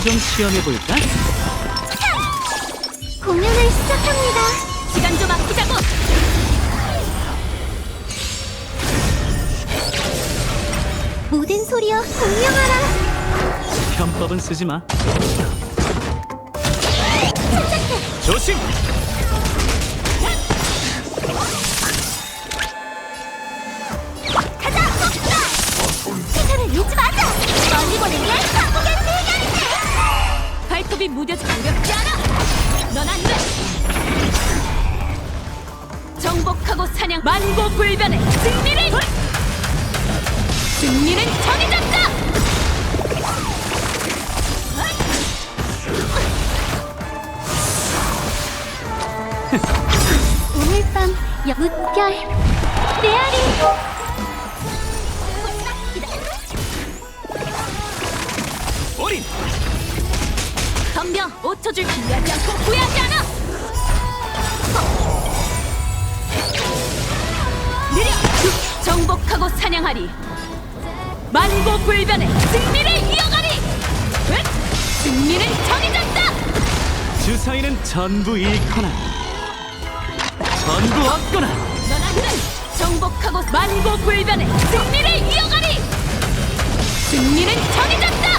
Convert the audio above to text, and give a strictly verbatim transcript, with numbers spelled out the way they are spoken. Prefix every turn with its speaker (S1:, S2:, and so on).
S1: 좀 시험해볼까?
S2: 공연을 시작합니다.
S3: 시간 좀 아끼자고.
S2: 모든 소리여 공명하라.
S1: 편법은 쓰지 마.
S2: 침착해.
S1: 조심!
S2: 가자. 시간을 잊지 마자. 멀리 보는 게 한국의 대결이지.
S3: 발톱이 무뎌지기 어렵지 않아. 넌 안 돼. 정복하고 사냥 만고불변의 승리를. 승리는 정해졌다.
S2: 오늘 밤 여- 무별 메아리.
S1: 올인!
S3: 덤벼. 오 초 줄 기회하지 않고 후회하지 않아. 느려. 정복하고 사냥하리. 만고불변의 승리를 이어가리. 으! 승리는 정해졌다.
S1: 주사위는 전부 잃거나 전부 얻거나.
S3: 넌 안 돼. 정복하고 만고불변의 승리를 이어가리. 승리는 정해졌다.